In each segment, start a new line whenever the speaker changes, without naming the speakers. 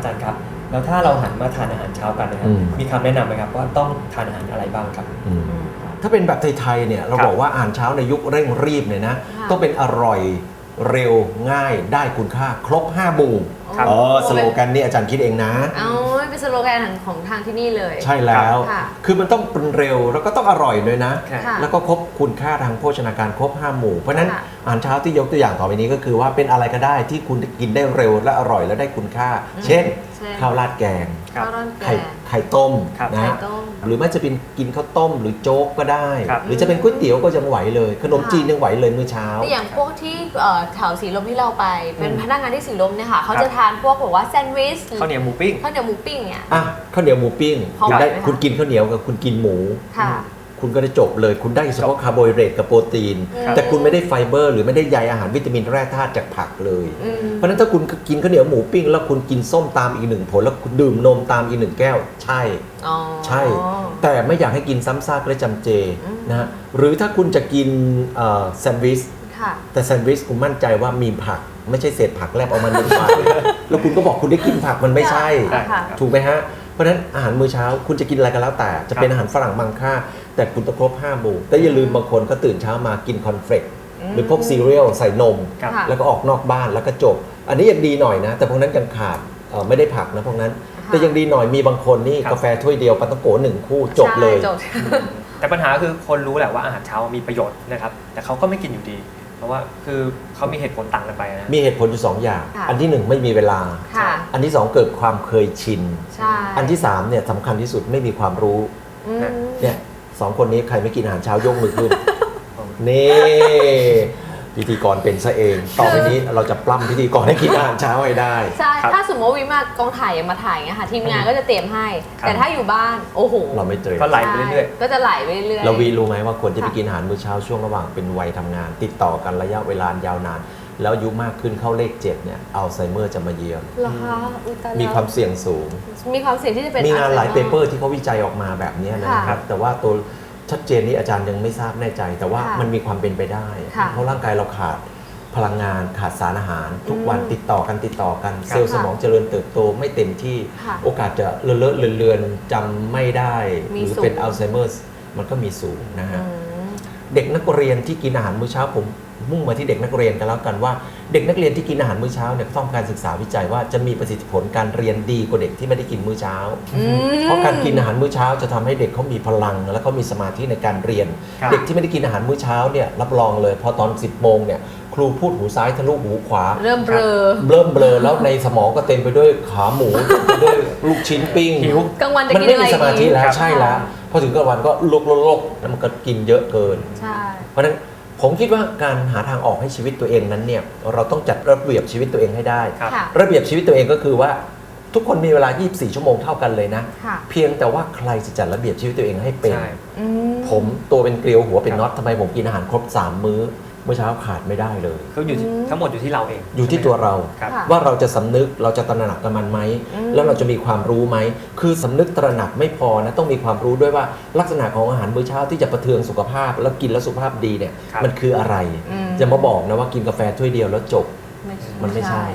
อาจารย์ครับแล้วถ้าเราหันมาทานอาหารเช้ากันนะครับมีคำแนะนำไหมครับว่าต้องทานอาหารอะไรบ้างครับ
ถ้าเป็นแบบไทยๆเนี่ยเราบอกว่าอาหารเช้าในยุคเร่งรีบเนี่ยนะต้องเป็นอร่อยเร็วง่ายได้คุณค่าครบ5 หมู่สโลแกนนี่อาจารย์คิดเองนะ
เป็นสโลแกนของทางที่นี่เลย
ใช่แล้วคือมันต้องเป็นเร็วแล้วก็ต้องอร่อยด้วยนะแล้วก็ครบคุณค่าทางโภชนาการครบ5 หมู่เพราะนั้นอาหารเช้าที่ยกตัวอย่างต่อไปนี้ก็คือว่าเป็นอะไรก็ได้ที่คุณกินได้เร็วและอร่อยและได้คุณค่าเช่นข้าวราดแกงไข่ต้มนะหรือไม่จะเป็นกินข้าวต้มหรือโจ๊กก็ได้หรือจะเป็นก๋วยเตี๋ยวก็ยังไหวเลยขนมจีนยังไหวเลยมื้อเช้า
อย่างพวกที่แถวสีลมที่เราไปเป็นพนักงานที่สีลมเนี่ยค่ะเขาจะทานพวกแบบว่าแซนด์วิช
ข้าวเหนียวหมูปิ้ง
เนี่ย
ข้าวเหนียวหมูปิ้งคุณกินข้าวเหนียวกับคุณกินหมูคุณก็ได้จบเลยคุณได้เฉพาะคาร์โบไฮเดรตกับโปรตีนแต่คุณไม่ได้ไฟเบอร์หรือไม่ได้ใยอาหารวิตามินแร่ธาตุจากผักเลยเพราะฉะนั้นถ้าคุณกินข้าวเหนียวหมูปิ้งแล้วคุณกินส้มตามอีก1 ผลแล้วคุณดื่มนมตามอีก1 แก้วใช่แต่ไม่อยากให้กินซ้ำซากและจำเจนะหรือถ้าคุณจะกินแซนด์วิชแต่แซนด์วิชคุณมั่นใจว่ามีผักไม่ใช่เศษผักแลบออกมา1 ไปแล้วคุณก็บอกคุณได้กินผักมันไม่ใช่ถูกไหมฮะเพราะฉะนั้นอาหารมื้อเช้าคุณจะกินอะไรก็แล้วแต่จะเป็นอาหารฝรั่งบางค่าแต่คุณต้องครบ5 หมู่แต่อย่าลืมบางคนก็ตื่นเช้ามากินคอนเฟลกหรือพวกซีเรียลใส่นมแล้วก็ออกนอกบ้านแล้วก็จบอันนี้ยังดีหน่อยนะแต่พวกนั้นยังขาดไม่ได้ผักนะพวกนั้นแต่ยังดีหน่อยมีบางคนนี่กาแฟถ้วยเดียวปาต้องโก1 คู่จบเลย
แต่ปัญหาคือคนรู้แหละว่าอาหารเช้ามีประโยชน์นะครับแต่เขาก็ไม่กินอยู่ดีเพราะว่าคือเขามีเหตุผลต่างกันไปนะ
มีเหตุผลอยู่2 อย่างอันที่1ไม่มีเวลาอันที่2เกิดความเคยชินอันที่3เนี่ยสำคัญที่สุดไม่มีความรู้เนี่ย2 คนนี้ใครไม่กินอาหารเช้ายกมือขึ้นนี่พิธีกรเป็นซะเองต่อไปนี้เราจะปล้ำพิธีกรให้กินอาหารเช้าให้ได้
ใช่ถ้าสมมติว่าวิมากองถ่ายมาถ่ายเงี้ยค่ะทีมงานก็จะเตรียมให้แต่ถ้าอยู่บ้านโอ้โห
เราไม่เตรียม
ก็ไหลไปเรื่อย
ๆก็จะไหลไปเรื่อยๆ
เรารู้ไหมว่าควรจะไปกินอาหารมื้อเช้าช่วงระหว่างเป็นวัยทำงานติดต่อกันระยะเวลายาวนานแล้วอายุมากขึ้นเข้าเลข7เนี่ยอัลไซเมอร์จะมาเยือนมีความเสี่ยงสูง
มีความเสี่ยงที่จะเป็น
มีงานหลายเปเปอร์ที่เขาวิจัยออกมาแบบนี้นะครับแต่ว่าตัวชัดเจนนี้อาจารย์ยังไม่ทราบแน่ใจแต่ว่ามันมีความเป็นไปได้เพราะร่างกายเราขาดพลังงานขาดสารอาหารทุกวันติดต่อกันเซลล์สมองเจริญเติบโตไม่เต็มที่โอกาสจะเลือนจำไม่ได้หรือเป็นอัลไซเมอร์มันก็มีสูงนะฮะเด็กนักเรียนที่กินอาหารมื้อเช้าผมมุ่งมาที่เด็กนักเรียนกันแล้วกันว่าเด็กนักเรียนที่กินอาหารมื้อเช้าเนี่ยต้องการศึกษาวิจัยว่าจะมีประสิทธิผลการเรียนดีกว่าเด็กที่ไม่ได้กินมื้อเช้าเพราะการกินอาหารมื้อเช้าจะทำให้เด็กเขามีพลังและเขามีสมาธิในการเรียนเด็กที่ไม่ได้กินอาหารมื้อเช้าเนี่ยรับรองเลยพอตอน 10 โมงเนี่ยครูพูดหูซ้ายทะลุหูขวา
เริ่มเบลอ
แล้วในสมองก็เต็มไปด้วยขาหมูด้วยลูกชิ้นปิ้ง
กลางวันจะ
กินอะไรมันไม่มีสมาธิแล้วใช่แล้วพอถึงกลางวันก็ลกแล้วมันก็กินเยอะเกินเพราะฉะนั้นผมคิดว่าการหาทางออกให้ชีวิตตัวเองนั้นเนี่ยเราต้องจัดระเบียบชีวิตตัวเองให้ได้ระเบียบชีวิตตัวเองก็คือว่าทุกคนมีเวลา24 ชั่วโมงเท่ากันเลยนะเพียงแต่ว่าใครจะจัดระเบียบชีวิตตัวเองให้เป็นผมตัวเป็นเกลียวหัวเป็นน็อตทำไมผมกินอาหารครบ3 มื้อเมื่อเช้าขาดไม่ได้เลย
เขาอยู่ทั้งหมดอยู่ที่เราเอง
อยู่ที่ตัวเราว่าเราจะสำนึกเราจะตระหนักกับมันไหมแล้วเราจะมีความรู้ไหมคือสำนึกตระหนักไม่พอนะต้องมีความรู้ด้วยว่าลักษณะของอาหารมื้อเช้าที่จะประเทืองสุขภาพแล้วกินแล้วสุขภาพดีเนี่ยมันคืออะไรจะมาบอกนะว่ากินกาแฟถ้วยเดียวแล้วจบมันไม่ใช่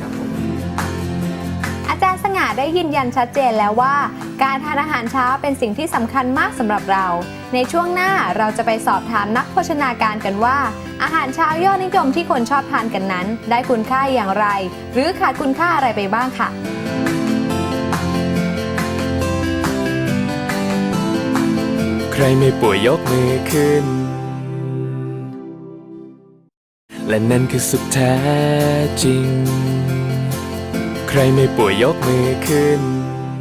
อาจารย์สง่าได้ยืนยันชัดเจนแล้วว่าการทานอาหารเช้าเป็นสิ่งที่สำคัญมากสำหรับเราในช่วงหน้าเราจะไปสอบถามนักโภชนาการกันว่าอาหารเช้ายอดนิยมที่คนชอบทานกันนั้นได้คุณค่าอย่างไรหรือขาดคุณค่าอะไรไปบ้างค่ะ
ใครไม่ป่วยยกมือขึ้นและนั่นคือสุขแท้จริงใครไม่ป่วยยกมือขึ้น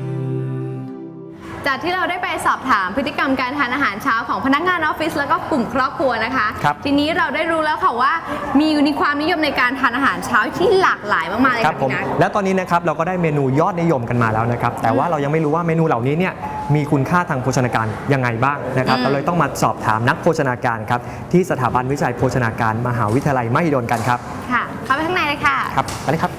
จากที่เราได้ไปสอบถามพฤติกรรมการทานอาหารเช้าของพนักงานออฟฟิศแล้วก็กลุ่มครอบครัวนะคะทีนี้เราได้รู้แล้วค่ะว่ามีความนิยมในการทานอาหารเช้าที่หลากหลายมากๆเลยค่ะพี่นัท
แล้วตอนนี้นะครับเราก็ได้เมนูยอดนิยมกันมาแล้วนะครับแต่ว่าเรายังไม่รู้ว่าเมนูเหล่านี้เนี่ยมีคุณค่าทางโภชนาการยังไงบ้างนะครับเราเลยต้องมาสอบถามนักโภชนาการครับที่สถาบันวิจัยโภชนาการมหาวิทยาลัยมหิดลกันครับ
ค่ะเข้าไปข้างในเลยค่ะ
ครับไปเลยครับ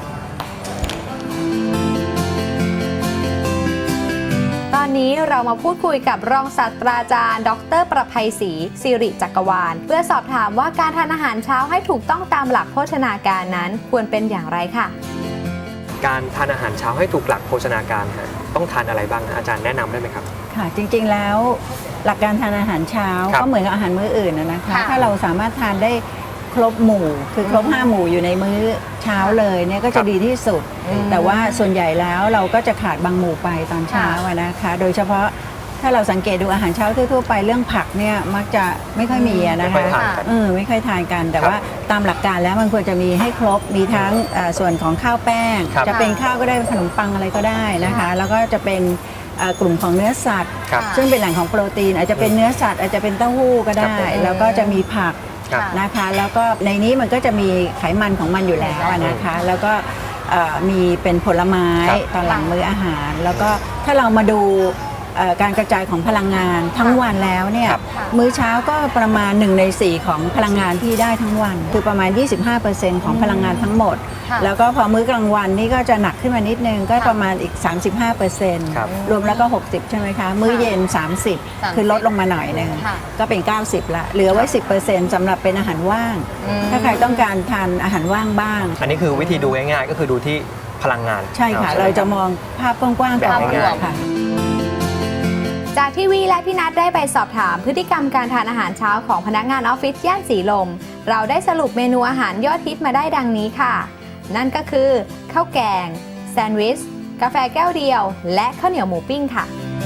ตอนนี้เรามาพูดคุยกับรองศาสตราจารย์ดร.ประไพศรีสิริจักรวาลเพื่อสอบถามว่าการทานอาหารเช้าให้ถูกต้องตามหลักโภชนาการนั้นควรเป็นอย่างไรค่ะ
การทานอาหารเช้าให้ถูกหลักโภชนาการฮะต้องทานอะไรบ้างนะอาจารย์แนะนำได้ไหมครับ
ค่ะจริงๆแล้วหลักการทานอาหารเช้า
ครับ
ก็เหมือนกับอาหารมื้ออื่นนะคะ
ค่ะ
ถ้าเราสามารถทานได้ครบหมู่คือครบ5 หมู่อยู่ในมื้อเช้าเลยเนี่ยก็จะดีที่สุด แต่ว่าส่วนใหญ่แล้วเราก็จะขาดบางหมู่ไปตอนเช้าอะนะคะ โดยเฉพาะถ้าเราสังเกตดูอาหารเช้าทั่วๆไปเรื่องผักเนี่ยมักจะไม่ค่อยมีอะนะ
ไม่
คะ
ค่อยทานกัน
ไม่ค่อยทานกัน แต่
ครับ
ว่าตามหลักการแล้วมันควรจะมีให้ครบมีทั้งส่วนของข้าวแป้ง
ครับ
จะเป็นข้าวก็ได้ขนมปังอะไรก็ได้นะคะ แล้วก็จะเป็นกลุ่มของเนื้อสัตว์
ครับ
ซึ่งเป็นแหล่งของโปรตีนอาจจะเป็นเนื้อสัตว์อาจจะเป็นเต้าหู้ก็ได้
ครับผม
แล้วก็จะมีผัก
ครับ
นะคะ แล้วก็ในนี้มันก็จะมีไขมันของมันอยู่แล้วอะนะคะ แล้วก็มีเป็นผลไม้
ครับ
ตอนหลังมื้ออาหาร แล้วก็ถ้าเรามาดูการกระจายของพลังงานทั้งวันแล้วเนี่ย
ครับ
มื้อเช้าก็ประมาณ1 ใน 4ของพลังงานที่ได้ทั้งวัน คือประมาณ 25%ของพลังงานทั้งหมด
ค่ะ
แล้วก็พอมื้อกลางวันนี่ก็จะหนักขึ้นมานิดนึงก็ประมาณอีก 35%
ครับ
รวมแล้วก็ 60 ใช่ไหมคะ มื้อเย็น 30 คือลดลงมาหน่อยหนึง
ค่ะ
ก็เป็น 90 ละ เหลือไว้ 10%สำหรับเป็นอาหารว่าง ถ้าใครต้องการทานอาหารว่างบ้าง
อันนี้คือวิธีดูง่ายๆก็คือดูที่พลังงาน
ใช่ค่ะ
ไหม
เราจะ
บ
มองภาพกว้างๆก่อน
แบบง่ายๆ
ค่ะ
จากที่วีและพี่นัทได้ไปสอบถามพฤติกรรมการทานอาหารเช้าของพนักงานออฟฟิศย่านสีลม เราได้สรุปเมนูอาหารยอดฮิตมาได้ดังนี้ค่ะ นั่นก็คือข้าวแกง แซนด์วิช กาแฟแก้วเดียว และข้าวเหนียวหมูปิ้งค่ะ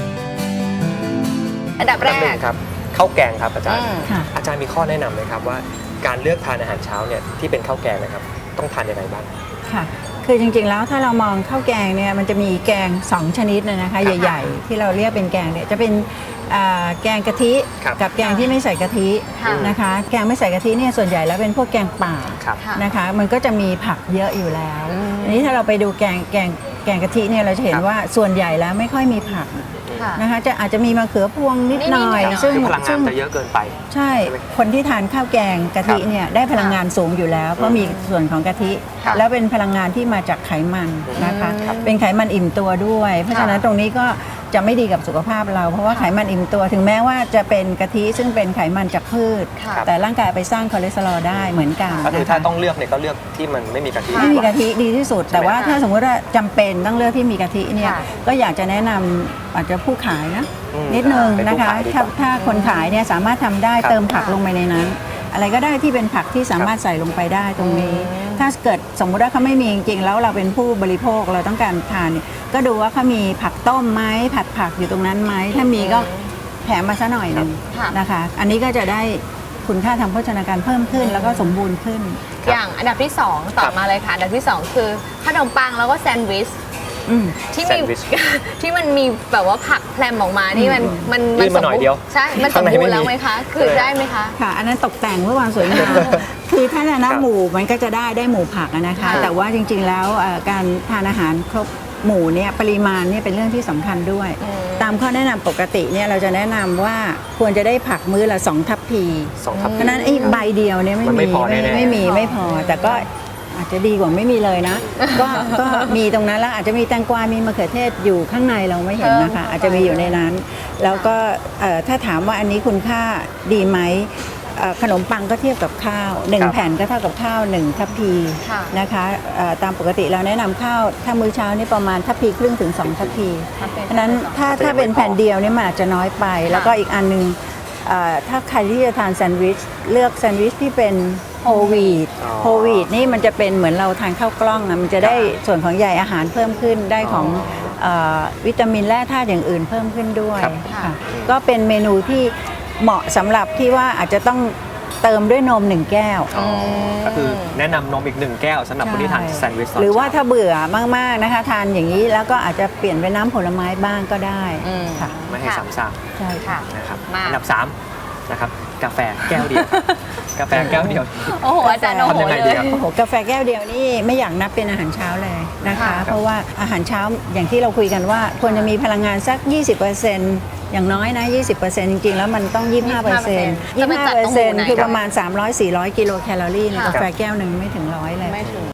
อันดับแร
อันดับหนึ่
ก
งครับข้าวแกงครับอาจารย์
ค่ะ
อาจารย์มีข้อแนะนำไหมครับว่าการเลือกทานอาหารเช้าเนี่ยที่เป็นข้าวแกงนะครับต้องทานยังไงบ้าง
ค่ะ คือจริงๆ แล้วถ้าเรามองข้าวแกงเนี่ยมันจะมีแกง 2 ชนิดนะคะใหญ่ๆ ที่เราเรียกเป็นแกงเนี่ยจะเป็นแกงกะทิ
ครับ
กับแกงที่ไม่ใส่กะทิ
ค่ะ
นะคะ แกงไม่ใส่กะทิเนี่ยส่วนใหญ่แล้วเป็นพวกแกงป่า
ครับ
ค่ะ
นะคะ มันก็จะมีผักเยอะอยู่แล้ว อันนี้ถ้าเราไปดูแกงกะทิเนี่ยเราจะเห็น
ครับ
ว่าส่วนใหญ่แล้วไม่ค่อยมีผัก
ค่ะ
นะคะอาจจะมีมะเขือพวงนิดหน่อย
นิดๆหน่อยๆ
ซึ่ง
คือพลังงานจะเยอะเกินไป
ใช่
ใช่ไหม
คนที่ทานข้าวแกงกะทิเนี่ยได้พลังงานสูงอยู่แล้ว เพราะมีส่วนของกะทิ
ค่ะ
แล้วเป็นพลังงานที่มาจากไขมันนะคะ
ครับ
เป็นไขมันอิ่มตัวด้วย เพราะฉะนั้นตรงนี้ก็จะไม่ดีกับสุขภาพเรา เพราะว่าไขมันอิ่มตัวถึงแม้ว่าจะเป็นกะทิซึ่งเป็นไขมันจากพืช
ค่ะ
แต่ร่างกายไปสร้างคอเลสเตอรอลได้เหมือนกัน
ก็คือ
นะ
ถ้า
คะ
ต้องเลือกเนี่ยก็เลือกที่มันไม่มีกะทิ
ไม่มี
ดีว่า
กะทิดีที่สุด แต่ว่าถ้าสมมติว่าจำเป็นต้องเลือกที่มีกะทิเนี่ย
ค่ะ
ก็อยากจะแนะนำอาจจะผู้ขายนะ
อืม
นิดนึง
เป็น
นะ
ผู้
คะ
ขายดีกว่า
ถ้าคนขายเนี่ยสามารถทำได้
ครับ
เติมผักลงไปในนั้น อะไรก็ได้ที่เป็นผักที่สามารถใส่ลงไปได้ตรงนี้ ถ้าเกิดสมมุติว่าเขาไม่มีจริงๆแล้วเราเป็นผู้บริโภคเราต้องการทานเนี่ยก็ดูว่าเขามีผักต้มไหมผัดผักอยู่ตรงนั้นไหมถ้ามีก็แถมมาซะหน่อยหนึง
ค่ะ
นะคะ อันนี้ก็จะได้คุณค่าทางโภชนาการเพิ่มขึ้น แล้วก็สมบูรณ์ขึ้น
อย่างอันดับที่ 2 ต่อมาเลยค่ะ อันดับที่ 2 คือขนมปังแล้วก็แซนด์วิช
อืม
ที่
แซ
มี
นด์วิช
ที่มันมีแบบว่าผักแพรมออกมานี่มัน
ยื่นมาหน่อยเดียว
ใช่ มันส
ข้าง
ม
ใน
บูร
ไม่
ณ์แล้ว
มี
ไหมคะ คือได้ไหมคะ
ค่ะ อันนั้นตกแต่งเพื่อความสวยงาม คือถ้าจะนับหมู่มันก็จะได้หมู่ผักอะนะคะ
ค่ะ
แต่ว่าจริงๆแล้วการทานอาหารครบหมู่เนี่ยปริมาณเนี่ยเป็นเรื่องที่สำคัญด้วย ตามข้อแนะนำปกติเนี่ยเราจะแนะนำว่าควรจะได้ผักมื้อละ2 ทัพพี
สองทัพ
เพราะฉะนั้นไอ้ใบเดียวเนี่ย
มันไม่พอแน่ๆ
ไม่พอ แต่ก็อาจจะดีกว่าไม่มีเลยนะ ก็มีตรงนั้นแล้วอาจจะมีแตงกวา มีมะเขือเทศอยู่ข้างในเราไม่เห็นนะคะ อาจจะมีอยู่ในนั้น แล้วก็ถ้าถามว่าอันนี้คุณค่าดีไหมขนมปังก็เทียบกับข้าว
ครับ
1 แผ่นก็เท่ากับข้าว1 ทัพพี
ค่ะ
นะคะตามปกติเราแนะนำข้าวถ้ามื้อเช้านี่ประมาณทัพพีครึ่งถึง2 ทัพพีเพราะฉะนั้นถ้าเป็นแผ่นเดียวเนี่ยมันอาจจะน้อยไป แล้วก็อีกอันหนึงถ้าใครที่จะทานแซนด์วิชเลือกแซนด์วิชที่เป็นโฮลวีต
อ๋อ
โฮลวีตนี่มันจะเป็นเหมือนเราทานข้าวกล้องอะมันจะได้ส่วนของใยอาหารเพิ่มขึ้นได้ของวิตามินแร่ธาตุอย่างอื่นเพิ่มขึ้นด้วย
ครับ
ค่ะก็เป็นเมนูที่เหมาะสำหรับที่ว่าอาจจะต้องเติมด้วยนม1 แก้ว
ก็คือแนะนำนมอีก1 แก้วสำหรับคนที่ทานแซนด์วิชตน
หรือว่า
เช้
ถ้าเบื่อมากๆนะคะ ทานอย่างนี้แล้วก็อาจจะเปลี่ยนเป็นน้ำผลไม้บ้างก็ได้
อืม
ค่ะ
ไม่ให้ซ้ำซาก
ใช่ค่ะ
ค่ะ
นะครับ
มา
อันดับ3นะครับกาแฟแก้วเดียว กาแฟแก้วเดียว
โอ้โห อาจารย์โอ้โห
ทำยังไง
เล
ดี
ย
ครับ
โอ้โหกาแฟแก้วเดียวนี่ไม่อยากนับเป็นอาหารเช้าเลยนะคะ
ค่ะ
เพราะว่าอาหารเช้าอย่างที่เราคุยกันว่าควรจะมีพลังงานสัก 20%อย่างน้อยนะ 20%จริงๆ แล้วมันต้อง 25%
จะไปจัดตรงหมู่ไหน
25%คือประมาณ 300-400 กิโลแคลอรี่ใน
ค่ะ
กาแฟแก้วหนึ่งไม่ถึง100เลย
ไม่ถึง